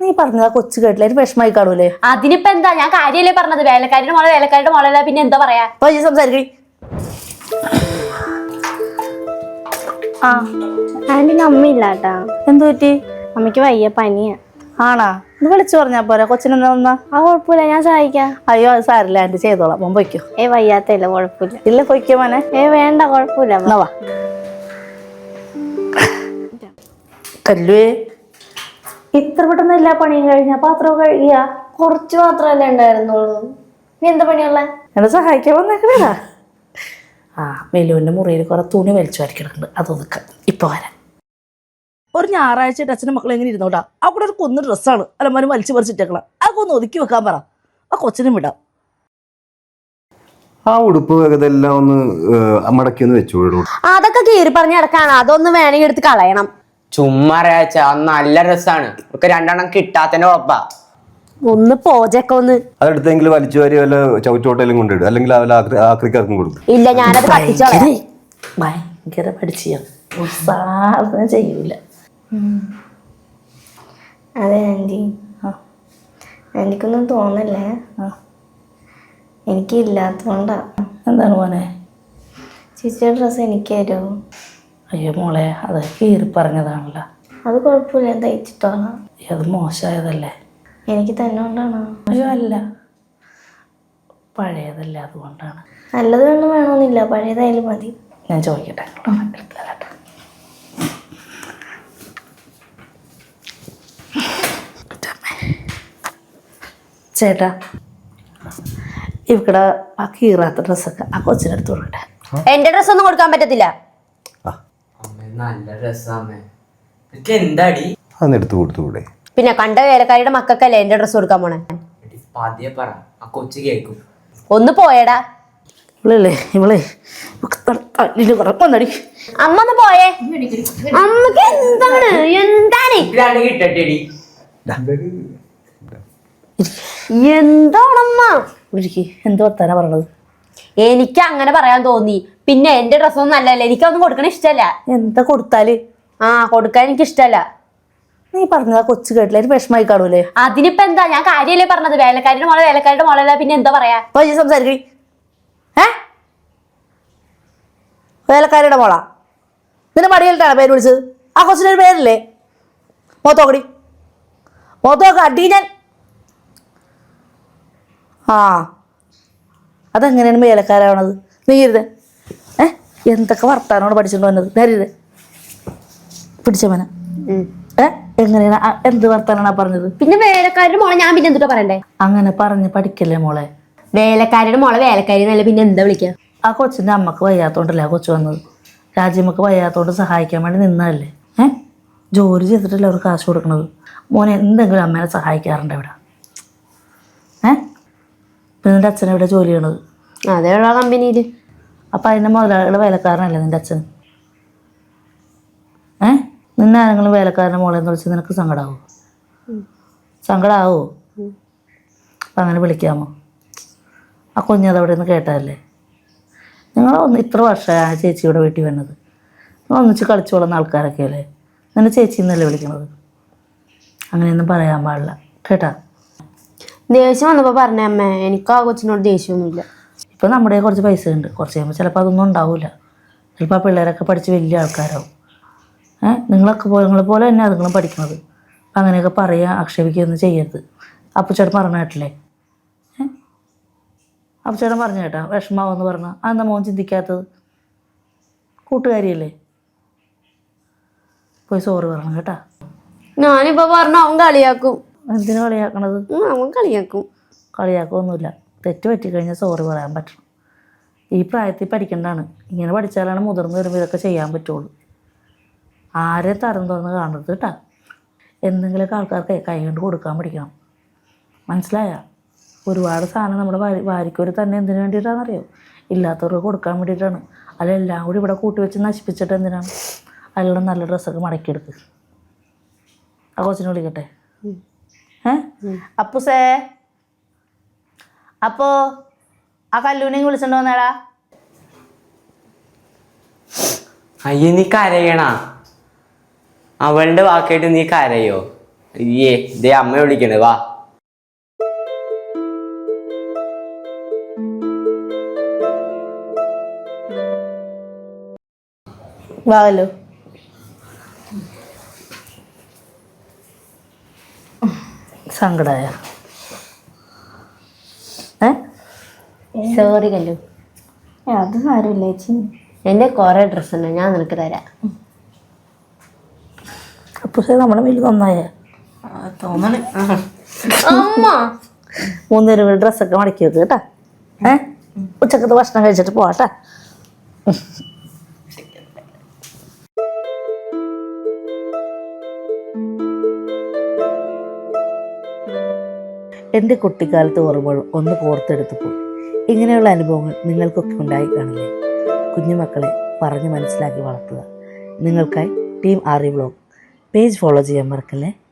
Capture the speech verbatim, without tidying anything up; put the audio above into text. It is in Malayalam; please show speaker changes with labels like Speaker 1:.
Speaker 1: നീ പറഞ്ഞ കൊച്ചു കേട്ടില്ല ഒരു വിഷമായി കാണൂലേ?
Speaker 2: അതിനിപ്പോ എന്താ, ഞാൻ കാര്യല്ലേ പറഞ്ഞത്. വേലക്കാരുടെ മോളെ വേലക്കാരുടെ മോളല്ല, പിന്നെ എന്താ പറയാ?
Speaker 1: സംസാരിക്കണി.
Speaker 3: ആ ആന്റിക്ക് അമ്മയില്ലാട്ടാ.
Speaker 1: എന്തു പറ്റി?
Speaker 3: അമ്മയ്ക്ക് വയ്യ, പനിയാ.
Speaker 1: ആണാ? ഇത് വിളിച്ചു പറഞ്ഞാ പോരാ? കൊച്ചിനെന്താ വന്നാ?
Speaker 3: ആ കുഴപ്പമില്ല, ഞാൻ സഹായിക്കാം.
Speaker 1: അയ്യോ അത് സാരില്ല, ആന്റി ചെയ്തോളാം. മോൻ പൊയ്ക്കോ.
Speaker 3: ഏ വയ്യാത്തല്ല, കുഴപ്പമില്ല.
Speaker 1: ഇല്ല പൊയ്ക്കോ മോനെ.
Speaker 3: ഏ വേണ്ട, കുഴപ്പമില്ല.
Speaker 1: വാ കല്ലുവേ, ഇത്ര പെട്ടെന്ന് എല്ലാ പണിയും കഴിഞ്ഞ പാത്രവും കഴുകിയ?
Speaker 3: കുറച്ച് മാത്രമല്ലേ ഉണ്ടായിരുന്നുള്ളൂ. നീ എന്താ പണിയുള്ള?
Speaker 1: എന്നെ സഹായിക്കാൻ വന്നേക്കണേടാ. ആ മെലുവിന്റെ മുറിയിൽ കുറെ തുണി വലിച്ചു വരക്കിടക്കുന്നുണ്ട്, അതൊതുക്ക ഇപ്പൊ വരാം. ഒരു ഞായറാഴ്ച അച്ഛനും മക്കളും എങ്ങനെ ഇരുന്നോട്ടാ? ആ കൂടെ ഒരു കുന്ന് ഡ്രസ്സാണ് അലമാരും വലിച്ചു പറിച്ചിട്ടേക്കണം. അതൊക്കെ ഒന്ന് ഒതുക്കി വെക്കാൻ പറ. ആ കൊച്ചിനും വിടാം.
Speaker 4: ആ ഉടുപ്പ് ഇതെല്ലാം ഒന്ന് മടക്കി ഒന്ന് വെച്ചു.
Speaker 2: അതൊക്കെ കീറി പറഞ്ഞ് കിടക്കാണ്, അതൊന്ന് വേണമെങ്കിൽ എടുത്ത് കളയണം.
Speaker 5: ചുമ്മാ അറിയാച്ച നല്ല രസാണ്. ഒക്കെ രണ്ടെണ്ണം കിട്ടാത്തന്റെ ഉറപ്പാ.
Speaker 2: ഒന്ന് പോജൊക്കെ ഒന്ന്
Speaker 4: അതെടുത്തെങ്കിൽ വലിച്ചു വാരി വല്ല ചവിറ്റോട്ടയിലും കൊണ്ടിടും, അല്ലെങ്കിൽ ആക്രിക്കാർക്കും കൊടുക്കും.
Speaker 2: ഇല്ല, ഞാനത് കത്തിച്ചോളാം.
Speaker 1: ഭയങ്കര പഠിച്ച സാധനം ചെയ്യൂല.
Speaker 3: അതെ ആന്റി, എനിക്കൊന്നും തോന്നല്ലേ. എനിക്ക് ഇല്ലാത്തോണ്ടാ.
Speaker 1: എന്താണ് മോനെ?
Speaker 3: ചേച്ചിയുടെ ഡ്രസ്സ് എനിക്ക് തരുമോ?
Speaker 1: അയ്യോ മോളെ, അത് കീറി പറഞ്ഞതാണല്ലോ.
Speaker 3: അത് കുഴപ്പമില്ല, തയ്ച്ചിട്ടോളാം.
Speaker 1: അത് മോശമായതല്ലേ?
Speaker 3: എനിക്ക് തന്നെ കൊണ്ടാണോ?
Speaker 1: അയ്യോ അല്ല, പഴയതല്ലേ, അതുകൊണ്ടാണ്.
Speaker 3: നല്ലത് വേണം വേണമെന്നില്ല, പഴയതായാലും മതി.
Speaker 1: ഞാൻ ചോദിക്കട്ടെ. ചേട്ടാ, ഇവിടെ ആ കീറാത്ത ഡ്രസ്സൊക്കെ ആ കൊച്ചിനെടുത്ത് കൊടുക്കട്ടെ.
Speaker 2: എന്റെ ഡ്രസ് ഒന്നും കൊടുക്കാൻ പറ്റത്തില്ല.
Speaker 5: നല്ല രസാമേ. എന്താടി
Speaker 4: അതെടുത്ത് കൊടുത്തുകൂടെ?
Speaker 2: പിന്നെ കണ്ട വേലക്കാരിയുടെ മക്കൾക്കല്ലേ എന്റെ ഡ്രസ് കൊടുക്കാൻ പോണേ.
Speaker 5: പതിയെ പറ, ആ കൊച്ചു കേക്കും.
Speaker 2: ഒന്ന് പോയടാ.
Speaker 1: ഇവളല്ലേ ഇവളെ തല്ലില് കുറപ്പടി.
Speaker 2: അമ്മ ഒന്ന് പോയേ. അമ്മക്ക് എന്താണ് എന്താണ്
Speaker 5: കിട്ടട്ടേടി.
Speaker 2: എന്താണമ്മ
Speaker 1: എന്ത് വർത്താനാ പറഞ്ഞത്?
Speaker 2: എനിക്ക് അങ്ങനെ പറയാൻ തോന്നി. പിന്നെ എന്റെ ഡ്രസ്സൊന്നും നല്ലല്ലേ, എനിക്കൊന്നും കൊടുക്കണ ഇഷ്ടല്ല.
Speaker 1: എന്താ കൊടുത്താല്?
Speaker 2: ആ കൊടുക്കാൻ എനിക്ക് ഇഷ്ടല്ല.
Speaker 1: നീ പറഞ്ഞതാ കൊച്ചു കേട്ടില്ല ഒരു വിഷമായി കാണൂലേ?
Speaker 2: അതിനിപ്പോ എന്താ, ഞാൻ കാര്യല്ലേ പറഞ്ഞത്. വേലക്കാരുടെ മോളെ വേലക്കാരുടെ മോളല്ല, പിന്നെ എന്താ പറയാ?
Speaker 1: സംസാരിക്കണി. ഏ വേലക്കാരിയുടെ മോളാ? നിന്റെ മടിയിലിട്ടാണ് പേര് വിളിച്ചത്? ആ കൊച്ചിനൊരു പേരില്ലേ? മോത്തോക്കടി, മോത്തോക്ക അടി ഞാൻ. ആ അതെങ്ങനെയാണ് വേലക്കാരാവണത്? നീ ഇരുത്. ഏ എന്തൊക്കെ വർത്താനോട് പഠിച്ചിട്ട് വന്നത്? നേരിത് പിടിച്ചവന. ഏ എങ്ങനെയാണ് എന്ത് വർത്താനാണ് പറഞ്ഞത്?
Speaker 2: പിന്നെ വേലക്കാരുടെ മോളെ ഞാൻ പിന്നെ എന്തുട്ടാ പറയണ്ടേ?
Speaker 1: അങ്ങനെ പറഞ്ഞ് പഠിക്കല്ലേ മോളെ.
Speaker 2: വേലക്കാരുടെ മോളെ വേലക്കാരി എന്നല്ല, പിന്നെ എന്താ വിളിക്കുക?
Speaker 1: ആ കൊച്ചിൻ്റെ അമ്മക്ക് വയ്യാത്തോണ്ടല്ലേ ആ കൊച്ചു വന്നത്? രാജ്യമ്മക്ക് വയ്യാത്തോണ്ട് സഹായിക്കാൻ വേണ്ടി നിന്നതല്ലേ? ഏ ജോലി ചെയ്തിട്ടല്ലേ അവർ കാശ് കൊടുക്കണത്? മോനെ എന്തെങ്കിലും അമ്മേനെ സഹായിക്കാറുണ്ട് ഇവിടെ? ഏ പിന്നെ നിൻ്റെ അച്ഛൻ എവിടെ ജോലി ചെയ്യണത്?
Speaker 2: അതേയുള്ള കമ്പനിയിൽ.
Speaker 1: അപ്പം അതിൻ്റെ മുതലാളിയുടെ വേലക്കാരനല്ലേ നിൻ്റെ അച്ഛൻ? ഏ നിന്നെ ആരെങ്കിലും വേലക്കാരൻ്റെ മോളെന്ന് വിളിച്ച് നിനക്ക് സങ്കടമാവോ? സങ്കടമാവോ? അപ്പം അങ്ങനെ വിളിക്കാമോ? ആ കുഞ്ഞത് അവിടെ നിന്ന് കേട്ടതല്ലേ? നിങ്ങൾ ഒന്ന് ഇത്ര വർഷമാണ് ചേച്ചിയുടെ വീട്ടിൽ വന്നത്. നിങ്ങൾ ഒന്നിച്ച് കളിച്ചു കൊള്ളുന്ന ആൾക്കാരൊക്കെ അല്ലേ? നിന്നെ ചേച്ചി എന്നല്ലേ വിളിക്കണത്? അങ്ങനെയൊന്നും പറയാൻ പാടില്ല കേട്ടാ.
Speaker 2: ദേഷ്യം വന്നപ്പോൾ പറഞ്ഞ അമ്മ, എനിക്ക് ആ കൊച്ചിനോട് ദേഷ്യമൊന്നുമില്ല.
Speaker 1: ഇപ്പം നമ്മുടെ കുറച്ച് പൈസ ഉണ്ട്, കുറച്ച് കഴിയുമ്പോൾ ചിലപ്പോൾ അതൊന്നും ഉണ്ടാവില്ല. ചിലപ്പോൾ ആ പിള്ളേരൊക്കെ പഠിച്ച് വലിയ ആൾക്കാരാവും. ഏഹ് നിങ്ങളൊക്കെ പോലെ നിങ്ങളെ പോലെ തന്നെ അതുങ്ങളും പഠിക്കണത്. അപ്പം അങ്ങനെയൊക്കെ പറയുക ആക്ഷേപിക്കുകയൊന്നും ചെയ്യരുത്. അപ്പച്ചേട്ടൻ പറഞ്ഞ കേട്ടില്ലേ? ഏഹ് അപ്പച്ചേട്ടൻ പറഞ്ഞു കേട്ടാ വിഷമാവെന്ന് പറഞ്ഞാൽ അതെന്താ മോൻ ചിന്തിക്കാത്തത്? കൂട്ടുകാരിയല്ലേ? പോയി സോറി പറയണം കേട്ടാ.
Speaker 2: ഞാനിപ്പോ പറഞ്ഞ അവൻ കളിയാക്കും.
Speaker 1: എന്തിനു കളിയാക്കണത്?
Speaker 2: അവൻ കളിയാക്കും.
Speaker 1: കളിയാക്കൊന്നുമില്ല. തെറ്റ് പറ്റിക്കഴിഞ്ഞാൽ സോറി പറയാൻ പറ്റണം. ഈ പ്രായത്തിൽ പഠിക്കേണ്ടതാണ്. ഇങ്ങനെ പഠിച്ചാലാണ് മുതിർന്ന് വരുമ്പോൾ ഇതൊക്കെ ചെയ്യാൻ പറ്റുള്ളൂ. ആരെ തരം തുറന്ന് കാണരുത് കേട്ടാ. എന്തെങ്കിലുമൊക്കെ ആൾക്കാർക്ക് കൈ കൊണ്ട് കൊടുക്കാൻ പഠിക്കണം, മനസ്സിലായ? ഒരുപാട് സാധനം നമ്മുടെ വാരി വാരിക്കൊരു തന്നെ എന്തിനു വേണ്ടിയിട്ടാണെന്നറിയോ? ഇല്ലാത്തവർക്ക് കൊടുക്കാൻ വേണ്ടിയിട്ടാണ്. അതെല്ലാം കൂടി ഇവിടെ കൂട്ടി വെച്ച് നശിപ്പിച്ചിട്ട് എന്തിനാണ്? അതിലുള്ള നല്ല ഡ്രസ്സൊക്കെ മടക്കിയെടുക്ക്. ആ കൊച്ചിനെ വിളിക്കട്ടെ. ഏ അപ്പുസേ, അപ്പോ ആ കല്ലൂനെയും വിളിച്ചോണ്ട് വന്നേടാ.
Speaker 5: അയ്യ നീ കരയണ? അവളുടെ വാക്കായിട്ട് നീ കരയോ? അയ്യേ ഇതേ അമ്മ വിളിക്കണേ വാ.
Speaker 1: വാലോ സങ്കടായ ഏ
Speaker 2: സോറി കല്ലു.
Speaker 3: അത് സാരമില്ല ചേച്ചി.
Speaker 2: എന്റെ കുറെ ഡ്രസ് ഉണ്ട്, ഞാൻ നിനക്ക് തരാം.
Speaker 1: അപ്പൊ നമ്മളെ വീട്ടിൽ നന്നായ
Speaker 5: തോന്നണേ.
Speaker 2: അമ്മ
Speaker 1: മൂന്നേരം വീട് ഡ്രസ്സൊക്കെ മടക്കി വെക്ക് കേട്ടാ. ഏ ഉച്ചക്കത്തെ ഭക്ഷണം കഴിച്ചിട്ട് പോവാട്ടാ. എൻ്റെ കുട്ടിക്കാലത്ത് ഓർമ്മകൾ ഒന്ന് കോർത്തെടുത്തപ്പോൾ ഇങ്ങനെയുള്ള അനുഭവങ്ങൾ നിങ്ങൾക്കൊക്കെ ഉണ്ടായി കാണില്ലേ? കുഞ്ഞുമക്കളെ പറഞ്ഞ് മനസ്സിലാക്കി വളർത്തുക. നിങ്ങൾക്കായി team R E vlog page follow ചെയ്യാൻ മറക്കല്ലേ.